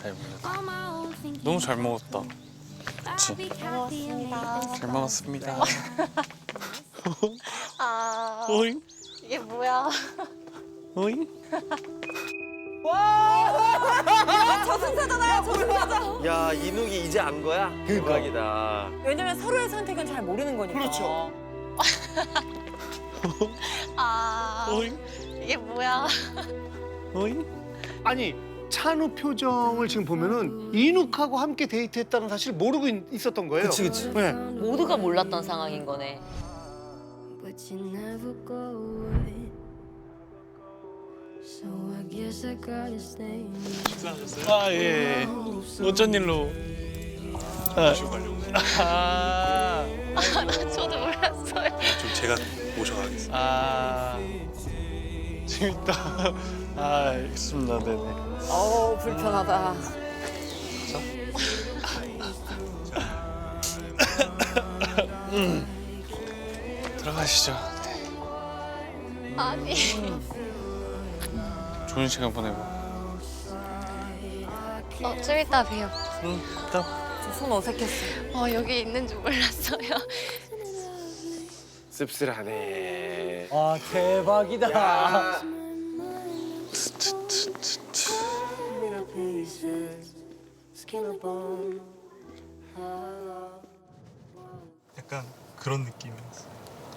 잘 먹었다. 너무 잘 먹었다. 그치? 고맙습니다. 잘 먹었습니다. 아, 오잉? 이게 뭐야? 오잉? 저승사잖아요, 저승사자. 야, 이누기 이제 안 거야? 대박이다. 왜냐면 서로의 선택은 잘 모르는 거니까. 그렇죠. 아, 오잉? 이게 뭐야? 오잉? 아니 찬우 표정을 지금 보면은 이눅하고 함께 데이트했다는 사실을 모르고 있었던 거예요. 그치, 그치. 네. 모두가 몰랐던 상황인 거네. But you never go away. So I guess I gotta stay. 아, 예. 어쩐 일로? 모시고 가려고. 아, 저도 몰랐어요. 좀 제가 모셔가겠습니다. 아, 재밌다. 아, 알겠습니다. 네네. 어우, 불편하다. 들어가시죠. 아니, 좋은 시간 보내고. 좀 이따 봬요. 응, 일단. 손 어색했어. 여기 있는 줄 몰랐어요. 씁쓸하네. 아 대박이다. 야. 약간 그런 느낌이었어.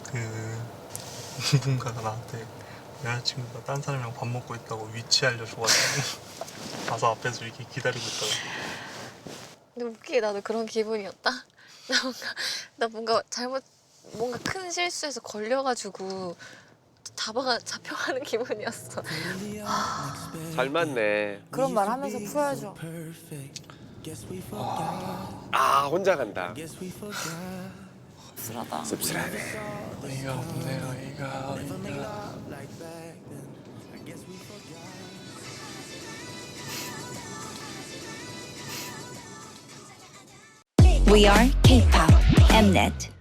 누군가가 나한테 여자친구가 딴 사람이랑 밥 먹고 있다고 위치 알려줘가지고 가서 앞에서 이렇게 기다리고 있다가 근데 웃기게 나도 그런 기분이었다. 나 뭔가 뭔가 큰 실수해서 걸려가지고 잡혀가는 기분이었어. 잘 맞네. 그런 말 하면서 풀어야죠. 아, 혼자 간다. 씁쓸하다. 씁쓸하네. 어이가 없네, 어이가 없네. We are K-pop Mnet.